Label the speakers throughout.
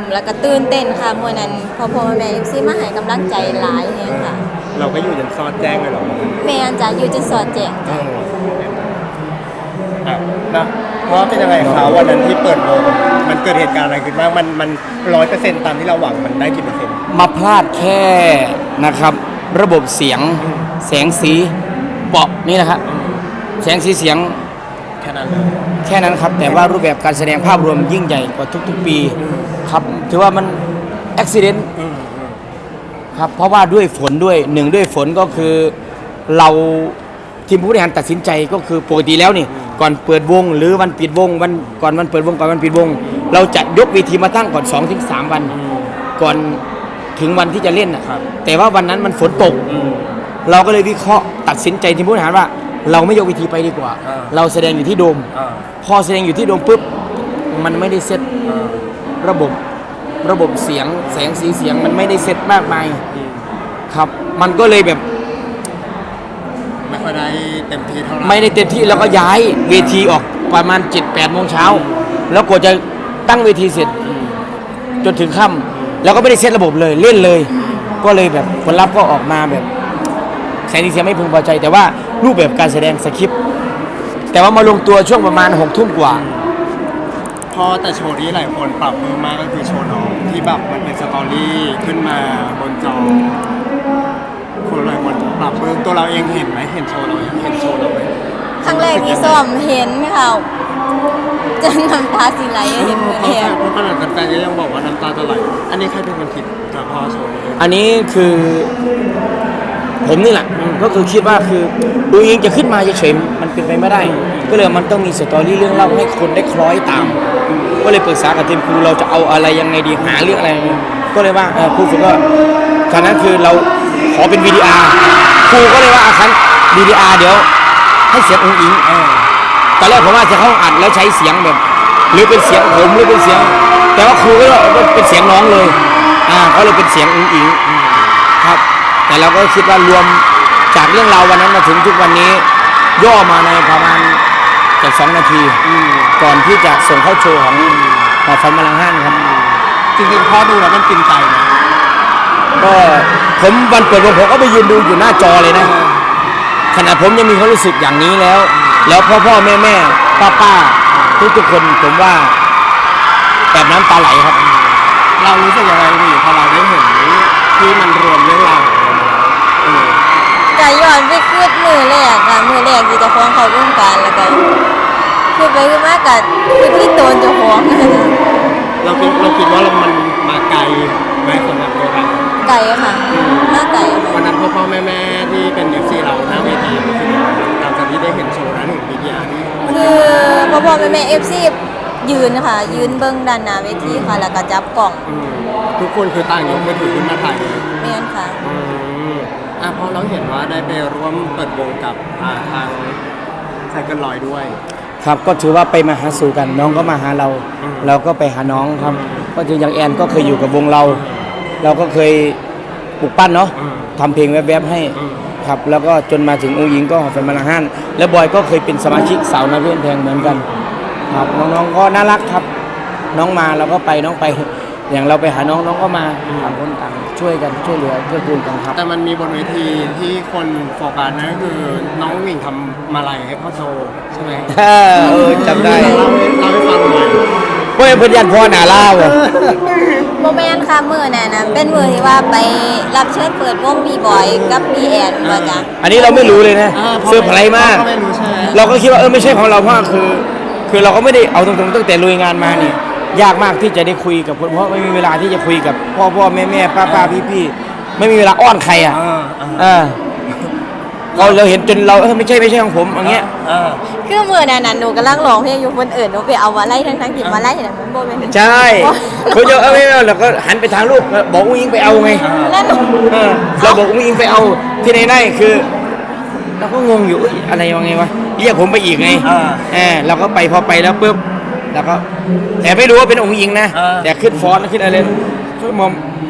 Speaker 1: แล้วก็ตื่นเต้นค่ะมื้อนั้นพ่อแม่FCมาให้กำลังใจหลายแฮงค่ะ
Speaker 2: เราก็อยู่จนซอดแจ้งเลยหรอ
Speaker 1: แม่นจ้ะอยู่จนสอดแจ้งจ้ะ
Speaker 2: นะเพราะเป็นยังไงคะวันนั้นที่เปิดวงมันเกิดเหตุการณ์อะไรขึ้นบ้างมัน100%ตามที่เราหวังมันได้กี่เปอร์เซ็นต์
Speaker 3: มาพลาดแค่นะครับระบบเสียงแสงสีเปาะนี่นะครับแสงสีเสียง
Speaker 2: แค่นั้นเลย
Speaker 3: แค่นั้นครับแต่ว่ารูปแบบการแสดงภาพรวมยิ่งใหญ่กว่าทุกๆปีครับถือว่ามันอุบิเหตุครับเพราะว่าด้วยฝนด้วยหนึ่งด้วยฝนก็คือเราทีมผู้บริหารตัดสินใจก็คือปกติแล้วนี่ก่อนเปิดวงหรือวันปิดวงก่อนวันเปิดวงก่อนวันปิดวงเราจะยกเวทีมาตั้งก่อน 2-3 วันก่อนถึงวันที่จะเล่นนะครับแต่ว่าวันนั้นมันฝนตกเราก็เลยวิเคราะห์ตัดสินใจทีมผู้บริหารว่าเราไม่ยกเวทีไปดีกว่าเราแสดงอยู่ที่โดมพอแสดงอยู่ที่โดมปุ๊บมันไม่ได้เซตระบบเสียงแสงสีเสียงมันไม่ได้เซตมากมายครับมันก็เลยแบบ
Speaker 2: ไม่ค่อยได้เต็มที่เท่าไหร่
Speaker 3: ไม่ได้เต็มที่แล้วก็ย้ายเวทีออกประมาณ 7-8 โมงเช้าแล้วกว่าจะตั้งเวทีเสร็จจนถึงค่ำแล้วก็ไม่ได้เซตระบบเลยเล่นเลยก็เลยแบบผลลัพธ์ก็ออกมาแบบแสงสีเสียงไม่พึงพอใจแต่ว่ารูปแบบการแสดงสคริปต์แต่ว่ามาลงตัวช่วงประมาณ 6 ทุ่มกว่า
Speaker 2: พอแต่โชว์นี้หลายคนปรับเพิ่มมากก็คือโชว์น้องที่แบบมันเป็นสตอรี่ขึ้นมาบนจอคนหลายคนปรับเพิ่มตัวเราเองเห็นไหมเห็นโชว์เราเห็นโชว์เราไหม
Speaker 1: ครั้งแรกที่ซ้อมเห็นค่ะจนน้ำตาสิไหลเห็น
Speaker 2: เพราะขนาดแฟนๆก็ยังบอกว่าน้ำตาจะไหลอันนี้ใครเป็นคนคิดกับพ่อโชว์นี้
Speaker 3: อันนี้คือผมนี่แหละก็คือคิดว่าคือดูเองจะขึ้นมาเฉยๆมันเป็นไปไม่ได้ก็เลยมันต้องมีสตอรี่เรื่องเล่าให้คนได้คล้อยตามก็เลยปรึกษากับทีมครูเราจะเอาอะไรยังไงดีหาเรื่องอะไรก็เลยว่าครูฝึกก็ครั้งนั้นคือเราขอเป็น VDR ครูก็เลยว่าครั้ง VDR เดี๋ยวให้เสียงองค์อิงตอนแรกผมว่าจะเข้าอัดแล้วใช้เสียงแบบหรือเป็นเสียงผมหรือเป็นเสียงแต่ว่าครูก็เป็นเสียงน้องเลยเขาเลยเป็นเสียงองค์อิงครับแต่เราก็คิดว่ารวมจากเรื่องราววันนั้นมาถึงทุกวันนี้ย่อมาในประมาณจาก2 นาทีก่อนที่จะส่งเข้าโชว์ของหอฟันมาลังห้านครับ
Speaker 2: จริงๆพ่อดูแล้วมันกินใจนะ
Speaker 3: ก็ผมวันเปิดวงผมก็ไปยืนดูอยู่หน้าจอเลยนะขณะผมยังมีความรู้สึกอย่างนี้แล้วพ่อแม่ป้าทุกคนผมว่าแบบน้ำตาไหลครับ
Speaker 2: เรารู้สึกยังไงพอเราได้เห็นที่มันรวมเรื่องราว
Speaker 1: ก็ย้อนไปคืดมือแรกค่ะมือแรกที่จะฟ้องเขาวงการแล้วก็คือไปคือมากกับคือที่โดนจะฟ้อง
Speaker 2: เราคิดว่ามันมาไกลไหมสำหรับตัวเรา
Speaker 1: ไกลค่ะมากไกล
Speaker 2: วันนั้นพ่อแม่ที่เป็น FC เราหน้าเวทีคือหลังจากที่ได้เห็นโชว์นั้นถึงวิดีอาร์นี่
Speaker 1: คือพ่อแม่ FC ยืนค่ะยืนเบิ้งด้านหน้าเวทีค่ะแล้วก็จับกล่อง
Speaker 2: ทุกคนคือต่างยกมือถือขึ้นมาถ่ายเลย
Speaker 1: เมียนค่ะ
Speaker 2: พอเราเห็นว่าได้ไปร่วมเปิดวงกับทางไซเคิลลอยด้วย
Speaker 3: ครับก็ถือว่าไปมาหาสู่กันน้องก็มาหาเราก็ไปหาน้องครับก็จะอย่างแอนก็เคยอยู่กับวงเราก็เคยปลูกปั้นเนาะทำเพลงแวบๆให้ครับแล้วก็จนมาถึงองค์หญิงก็หอฟันมาลังห้านแล้วบอยก็เคยเป็นสมาชิกสาวนาเพื่อนแพงเหมือนกันครับน้องๆก็น่ารักครับน้องมาเราก็ไปน้องไปอย่างเราไปหาน้องก็มาต่างคนต่างช่วยกันช่วยเหลือเกื้อกูลกันครับ
Speaker 2: แต่มันมีบนเวทีที่คนโฟกัสนั่นก็คือน้องวิ่งทำมาลัยให้พ่อโชว์ใช่ไหม
Speaker 3: จำได้
Speaker 2: เล่าให้ฟังหน่อย
Speaker 3: เพื่อนยันพ่อหนาเล่า
Speaker 1: โมเมนต์ค่ะมือน่ะเป็นมือที่ว่าไปรับเชิญเปิดวงบีบอยกับบีแอนว่าจ้ะ
Speaker 3: อันนี้เราไม่รู้เลยนะเซอร์ไพรส์มากเราก็คิดว่าไม่ใช่ของเราเพราะคือเราก็ไม่ได้เอาตรงๆตั้งแต่ลุยงานมานี่ยากมากที่จะได้คุยกับคนเพราะไม่มีเวลาที่จะคุยกับพ่อแม่ป้าพี่ไม่มีเวลาอ้อนใครเราเห็นจนเราไม่ใช่ของผมอย่างเงี้ย
Speaker 1: คือมือนั้นหนูกำลังร้องเพลงอยู่คนอื่นหนูไปเอามาไล่ทั้งที่มาไล่เห็นมันโบเป็น
Speaker 3: ใช่เขาจะไม่เราก็หันไปทางลูกบอกอุ้งอิงไปเอาไงเราบอกอุ้งอิงไปเอาที่ไหนคือเราก็งงอยู่อะไรยังไงวะเรียกผมไปอีกไงเราก็ไปพอไปแล้วปุ๊บแล้วก็แต่ไม่รู้ว่าเป็นองค์หญิงนะแต่ขึ้นฟอนต์ขึ้นอะไรคือมอม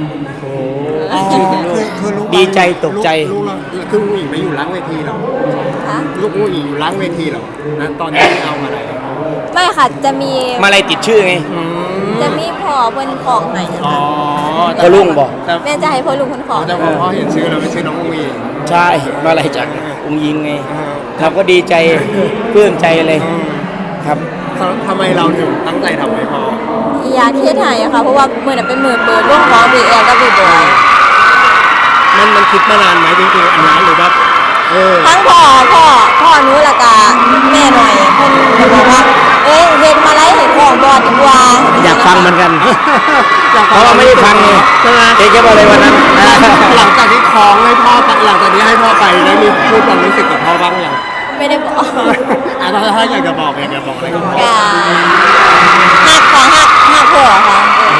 Speaker 3: ดีใจตกใจ
Speaker 2: คือองค์หญิงไปอยู่ล้างเวทีหรอลูกองค์หญิงอยู่ล้างเวทีหรอนะตอนนี้เอามาอะไร
Speaker 1: ไม่ค่ะจะมี
Speaker 3: มาอะไรติดชื่อไง
Speaker 1: จะมีพ่อเพิ่นของให้
Speaker 2: อ๋อ
Speaker 3: พ่อลุงบอก
Speaker 2: แต่
Speaker 1: แม่จะให้พ่อลุงเพิ่นของ
Speaker 2: แต่พอพ่อเห็นชื่อเราไม่ชื่อน้องอุ้งอิง
Speaker 3: ใช่มาอะไรจากองค์ยิงไง
Speaker 2: เออ
Speaker 3: เราก็ดีใจปลื้มใจเลยครับ
Speaker 2: ทำไมเราถึงตั้งใจทำให้พ่อ
Speaker 1: อยากเฮ็ดให้อะค่ะเพราะว่ามื้อนั้นเป็นมื้อเปิดวงของ BL กับ B-boy
Speaker 2: มันคิดมานานไหมจริงๆอันนั้นหรือว่า
Speaker 1: ทั้งพ่อหนูแล้วก็แม่หน่อยเพิ่นก็บอกว่าเอ้ยเฮ็ดมาไล่เฮ็ดของบ่ดีกว่า
Speaker 3: อยากฟังเหมือนกัน เพราะว่าไม่ได้ฟังไง
Speaker 2: ใช่ไหม
Speaker 3: เจ๊แกบอกเลยวันนั้น
Speaker 2: หลังจากที่คล้องให้พ่อไปหลังจากที่ให้พ่อไปได้มีพูดความรู้สึกกับพ่อบ้างยัง
Speaker 1: ไม่ได้บอก
Speaker 2: ถ้าอยากจะบอกอะไรกับพ่อ
Speaker 1: ก็ฮักพ่อค่ะ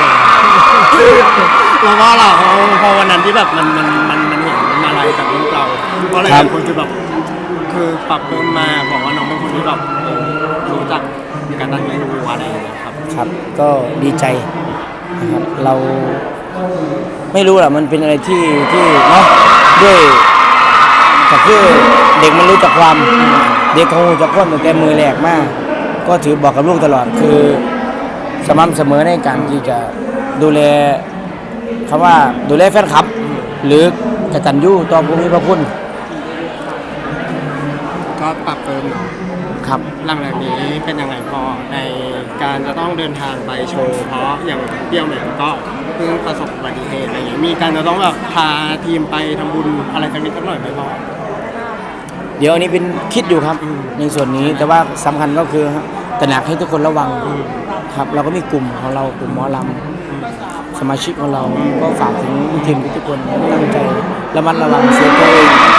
Speaker 2: แล้วก็เราพอวันนั้นที่แบบมันเห็นอะไรกับลูกเราเพราะอะไรบางคนคือแบบคือปรับปรุงมาบอกว่าน้องเป็นคนที่แบบรู้จักการตั้งใจรู้อะไรอย่างเงี้ยครับ
Speaker 3: ครับก็ดีใจนะครับเราไม่รู้หรอกมันเป็นอะไรที่เนาะด้วยแต่คือเด็กมันรู้จักความเด็กเขารู้จักความตั้งแต่มือแรกมาก ก็ถือบอกกับลูกตลอดคือสม่ำเสมอในการที่จะดูแลคำว่าดูแลแฟนคลับ หรือกตัญญูต่อผู้มีพระคุณ
Speaker 2: ก็ปรับเติมเนาะ
Speaker 3: ครับ
Speaker 2: หลังจากนี้เป็นยังไงพอในการจะต้องเดินทางไปโชว์เพราะอย่างเปรี้ยวเนี่ยก็เพิ่งประสบอุบัติเหตุอะไรอย่างเงี้ยมีการจะต้องแบบพาทีมไปทำบุญอะไรสักนิดสักหน่อยไหมพ่อ
Speaker 3: เดี๋ยวอันนี้เป็นคิดอยู่ครับในส่วนนี้แต่ว่าสำคัญก็คือตระหนักให้ทุกคนระวังครับเราก็มีกลุ่มของเรากลุ่มหมอลำสมาชิกของเราก็ฝากถึงทีมทุกคนตั้งใจระมัดระวังเซฟตัวเอง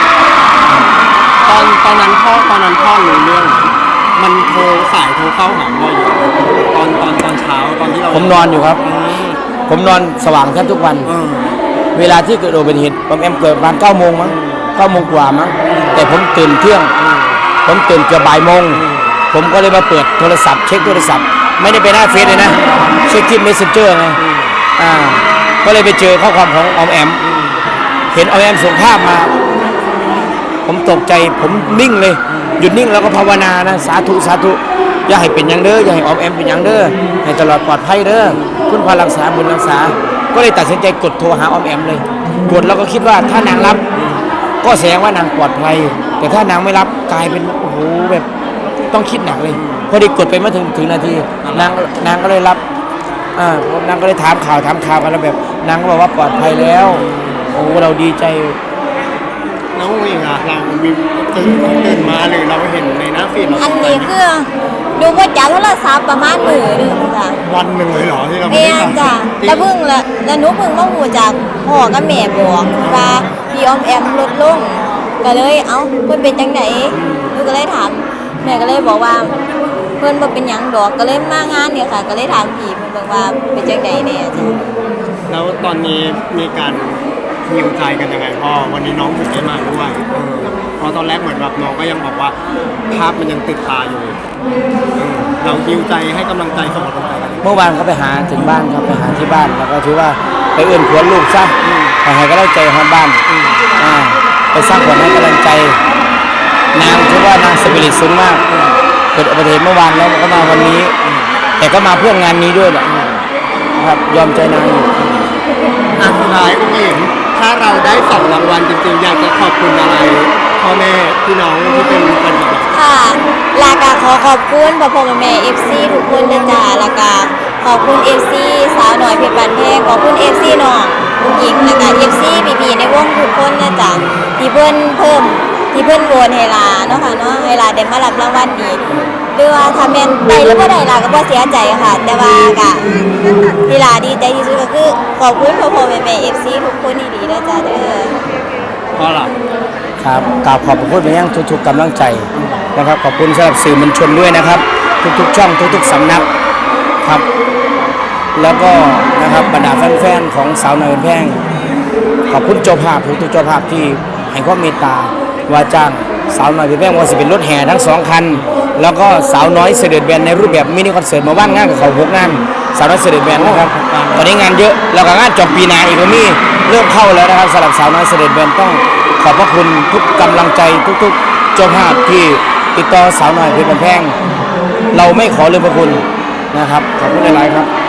Speaker 2: ตอนนั้นพ่อรู้เรื่องมันโทรสายโทรเข้าหาพ่ออยู่ตอนเช้าตอนที่เรา
Speaker 3: ผมนอนอยู่ครับ ผมนอนสว่างแทบทุกวัน
Speaker 2: เออ
Speaker 3: เวลาที่เกิดอุบัติเหตุผมเกิดประมาณ9 โมงมั้ง9 โมงกว่ามั้งแต่ผมตื่นเที่ยง ผมตื่นเกือบบ่ายโมงผมก็เลยมาเปิดโทรศัพท์เช็คโทรศัพท์ไม่ได้ไปหน้าเฟซเลยนะเช็คที่ Messenger ไงก็เลยไปเจอข้อความของออมแอมเห็นออมแอมส่งภาพมา ผมตกใจผมนิ่งเลยหยุดนิ่งแล้วก็ภาวนานะสาธุสาธุอย่าให้เป็นอย่างเด้ออย่าให้ออมแอมเป็นอย่างเด้อให้ตลอดปลอดภัยเด้อคุณพารักษาบุญรักษาก็เลยตัดสินใจกดโทรหาออมแอมเลยกดแล้วก็คิดว่าถ้านางรับ ก็แสดงว่านางปลอดภัยแต่ถ้านางไม่รับกลายเป็นโอ้โหแบบต้องคิดหนักเลยพอดีกดไปไม่ถึงนาทีนางก็เลยรับนางก็เลยถามข่าวกันแล้วแบบนางก็บอกว่าปลอดภัยแล้วโอ้เราดีใจ
Speaker 2: น้องเองอะเรามีตื่นมาหรือเราเห็นในหน้าฟีดเรา
Speaker 1: อันนี้คือดูว่าจับโทรศัพท์ประมาณมื้อนึงค่ะ
Speaker 2: วันหนึ่งเลยเหรอที่เราไม่
Speaker 1: แม่
Speaker 2: ได้
Speaker 1: จ้ะ
Speaker 2: จริง
Speaker 1: แล้วหนูเพิ่งมาหูจากพ่อกับแม่บอกว่าพี่ออมแอมลดลงก็เลยเอ้าเพิ่นเป็นจังไดหนูก็เลยถามแม่ก็เลยบอกว่าเพิ่นบ่เป็นหยังดอกก็เลยมางานเนี่ยค่ะ ก็เลยถามพี่เพิ่นบอกว่าเป็นจังไดแน่จ้ะ
Speaker 2: แล้วตอนนี้มีการฮิวใจกันยังไงพ่อวันนี้น้องถึงได้มาด้วยเพราะตอนแรกเหมือนแบบน้องก็ยังบอกว่าภาพมันยังติดตาอยู่เราฮิวใจให้กำลังใจส่งกำลังใจกัน
Speaker 3: เมื่อวานเขาไปหาถึงบ้านครับไปหาที่บ้านแล้วก็ถือว่าไปเอื้อนขวัญลูกซะไปให้กำลังใจฮอดบ้านไปสร้างขวัญให้กำลังใจนางถือว่านางสปิริตสูงมากเกิดอุบัติเหตุเมื่อวานแล้วก็มาวันนี้ แต่ก็มาเพื่องานนี้ด้วยแหละครับยอมใจนางอยู่
Speaker 2: สุดท้ายคุณหญิงถ้าเราได้2 รางวัลจริงๆอยากจะขอบคุณอะไรพ่อแม่พี่น้องที่เป็นแฟนคลับ
Speaker 1: ค่ะลากาขอบคุณพ่อพ่อแม่ FC ทุกคนนะจ๊ะลากาขอบคุณ FC สาวหน่อยเพชรบานแพงขอบคุณ FC น้องผู้หญิงแล้วก็ FC พี่ๆในวงทุกคนนะจ๊ะที่เพิ่นเพิ่มที่เพิ่นโหวตให้ลาเนาะค่ะเนาะให้ลาได้มารับรางวัลนี้หรือว่าถ้าแม่นได้หรือบ่ได้ลาก็บ่เสียใจค่ะ แต่ว่าก็ที่ลาดีใจที่สุดก็คือขอบคุณพ่อพ่อแม่ FC ทุกคนที่ดีนะจ๊ะเด้อ
Speaker 2: เพราะอะไร
Speaker 3: ครับกราบขอบพระคุณไปยังทุกๆกำลังใจนะครับขอบคุณสำหรับสื่อมวลชนด้วยนะครับ ทุกๆช่องทุกๆสำนักครับ แล้วก็นะครับบรรดาแฟนๆของสาวน้อยเพชรแพงขอบคุณเจ้าภาพทุกๆเจ้าภาพที่ให้ความเมตตาว่าจ้างสาวน้อยเพชรแพงว่าสิเป็นรถแห่ทั้ง2 คันแล้วก็สาวน้อยเสด็จแบนในรูปแบบมินิคอนเสิร์ตมาว่างงานกับเขา6 งานสาวน้อยเสด็จแบนนะครับตอนนี้งานเยอะแล้วก็งานจบปีหน้าอีกก็มีเริ่มเข้าแล้วนะครับสำหรับสาวน้อยเสด็จแบนต้องขอบพระคุณทุกกำลังใจทุกๆเจ้าภาพที่ติดต่อสาวน้อยเพชรแพงเราไม่ขอลืมพระคุณนะครับขอบคุณหลายๆครับ